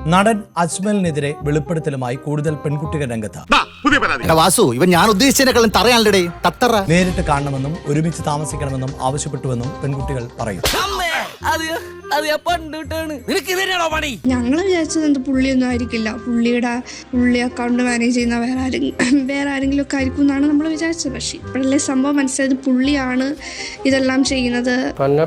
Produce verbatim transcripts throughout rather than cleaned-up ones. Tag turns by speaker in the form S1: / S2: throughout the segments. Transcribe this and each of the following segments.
S1: നടൻ അജ്മലിനെതിരെ വെളിപ്പെടുത്തലുമായി കൂടുതൽ പെൺകുട്ടികൾ രംഗത്ത്.
S2: വാസു ഇവൻ ഞാൻ ഉദ്ദേശിച്ചതിനെക്കാളും തറയാണല്ലേ തത്തറ.
S1: നേരിട്ട് കാണണമെന്നും ഒരുമിച്ച് താമസിക്കണമെന്നും ആവശ്യപ്പെട്ടുവെന്നും പെൺകുട്ടികൾ പറയും.
S3: ഞങ്ങൾ വിചാരിച്ചത് എന്ത് പുള്ളിയൊന്നും ആയിരിക്കില്ല, പുള്ളിയുടെ പുള്ളി അക്കൗണ്ട് മാനേജ് ചെയ്യുന്ന വേറെ ആരെങ്കിലും വേറെ ആരെങ്കിലും ഒക്കെ ആയിരിക്കും എന്നാണ് നമ്മൾ വിചാരിച്ചത്. പക്ഷേ ഇപ്പോഴല്ലേ സംഭവം മനസ്സിലായത് പുള്ളിയാണ് ഇതെല്ലാം ചെയ്യുന്നത്.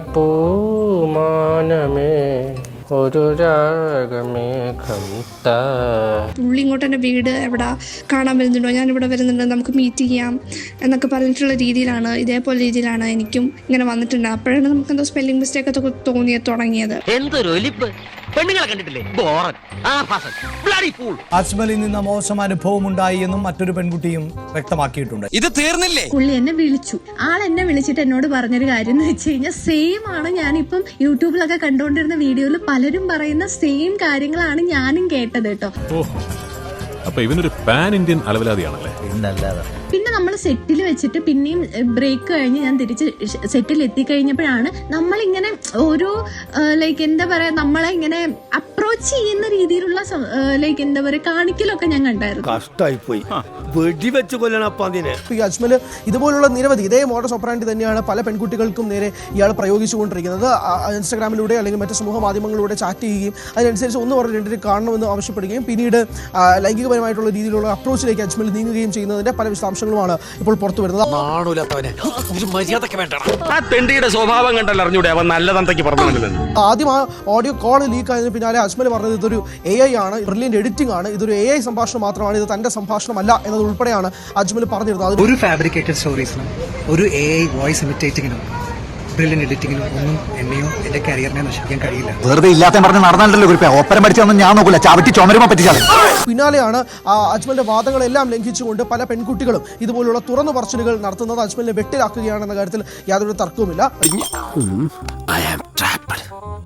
S4: ഒരു രാഗമേഘം
S3: പുള്ളി ഇങ്ങോട്ട് എൻ്റെ വീട് എവിടെ കാണാൻ വരുന്നുണ്ടോ, ഞാൻ ഇവിടെ വരുന്നുണ്ട്, നമുക്ക് മീറ്റ് ചെയ്യാം എന്നൊക്കെ പറഞ്ഞിട്ടുള്ള രീതിയിലാണ്, ഇതേപോലെ രീതിയിലാണ് എനിക്കും ഇങ്ങനെ വന്നിട്ടുണ്ട്. അപ്പോഴാണ് നമുക്ക് എന്തോ സ്പെല്ലിംഗ് മിസ്റ്റേക്ക് ഒക്കെ തോന്നിയ തുടങ്ങിയത്.
S1: അജ്മലിൽ നിന്ന് മോശം അനുഭവം ഉണ്ടായി എന്നും മറ്റൊരു പെൺകുട്ടിയും വ്യക്തമാക്കിയിട്ടുണ്ട്.
S5: ഇത് തീർന്നില്ലേ?
S6: പുള്ളി എന്നെ വിളിച്ചു. ആൾ എന്നെ വിളിച്ചിട്ട് എന്നോട് പറഞ്ഞൊരു കാര്യം എന്ന് വെച്ച് കഴിഞ്ഞാൽ സെയിം ആണ് ഞാനിപ്പം യൂട്യൂബിലൊക്കെ കണ്ടുകൊണ്ടിരുന്ന വീഡിയോയിൽ പലരും പറയുന്ന സെയിം കാര്യങ്ങളാണ് ഞാനും കേട്ടത് കേട്ടോ.
S7: അപ്പൊ ഇവനൊരു പാൻ ഇന്ത്യൻ അലവലാതിയാണല്ലേ?
S6: പിന്നെ നമ്മൾ സെറ്റിൽ വെച്ചിട്ട് പിന്നെയും ബ്രേക്ക് കഴിഞ്ഞ് ഞാൻ തിരിച്ച് സെറ്റിൽ എത്തിക്കഴിഞ്ഞപ്പോഴാണ് നമ്മളിങ്ങനെ ഓരോ ലൈക്ക് എന്താ പറയാ നമ്മളെ ഇങ്ങനെ അപ്രോച്ച് ചെയ്യുന്ന രീതിയിലുള്ള ലൈക്ക് എന്താ പറയാ കാണിക്കലൊക്കെ ഞാൻ കണ്ടായിരുന്നു.
S8: കഷ്ടായി പോയി വെടിവെച്ച് കൊല്ലണം.
S9: ഈ അജ്മൽ ഇതുപോലുള്ള നിരവധി ഇതേ മോഡസ് ഓപ്പറാൻഡി തന്നെയാണ് പല പെൺകുട്ടികൾക്കും നേരെ ഇയാൾ പ്രയോഗിച്ചുകൊണ്ടിരിക്കുന്നത്. ഇൻസ്റ്റാഗ്രാമിലൂടെ അല്ലെങ്കിൽ മറ്റ് സമൂഹ മാധ്യമങ്ങളിലൂടെ ചാറ്റ് ചെയ്യുകയും അതിനനുസരിച്ച് ഒന്ന് പറഞ്ഞ് രണ്ടിനും കാണണമെന്ന് ആവശ്യപ്പെടുകയും പിന്നീട് ലൈംഗികപരമായിട്ടുള്ള രീതിയിലുള്ള അപ്രോച്ചിലേക്ക് അജ്മൽ നീങ്ങുകയും ചെയ്യുന്നതിന്റെ പല വിശദാംശങ്ങളുമാണ് ഇപ്പോൾ പുറത്തു വരുന്നത്.
S4: സ്വഭാവം കണ്ടല്ലോ അറിഞ്ഞൂടെ അവൻ നല്ല തന്തയ്ക്ക് പറഞ്ഞു.
S9: ആദ്യം ആ ഓഡിയോ കോൾ ലീക്ക് ആയതിന് പിന്നാലെ അജ്മൽ പറഞ്ഞത് ഇതൊരു എ ഐ ആണ്, ബ്രില്യന്റ് എഡിറ്റിംഗ് ആണ്, ഇതൊരു എ ഐ സംഭാഷണം മാത്രമാണ്, ഇത് തന്റെ സംഭാഷണമല്ല എന്നത് ഉൾപ്പെടെയാണ് അജ്മൽ പറഞ്ഞിരുന്നത്.
S10: ഒരു ഫാബ്രിക്കേറ്റഡ് സ്റ്റോറീസിനും ഒരു എ ഐ വോയിസ് ഇമിറ്റേറ്റിങ്ങിനും ബ്രില്യന്റ് എഡിറ്റിങ്ങിനും ഒന്നും എന്നെയോ എന്റെ കരിയറിനെ നശിപ്പിക്കാൻ കഴിയില്ല.
S2: വെറുതെ ഇല്ലാത്ത പറഞ്ഞ് നടന്നല്ലോ ഓപ്പറ പഠിച്ചൊന്നും ഞാൻ നോക്കില്ല, ചവിട്ടി ചുമരുമ പറ്റിച്ചാൽ.
S9: പിന്നാലെയാണ് അജ്മലിന്റെ വാദങ്ങളെല്ലാം ലംഘിച്ചുകൊണ്ട് പല പെൺകുട്ടികളും ഇതുപോലുള്ള തുറന്നു പറച്ചിലുകൾ നടത്തുന്നത്. അജ്മലിനെ വെട്ടിലാക്കുകയാണെന്ന കാര്യത്തിൽ യാതൊരു തർക്കവുമില്ല.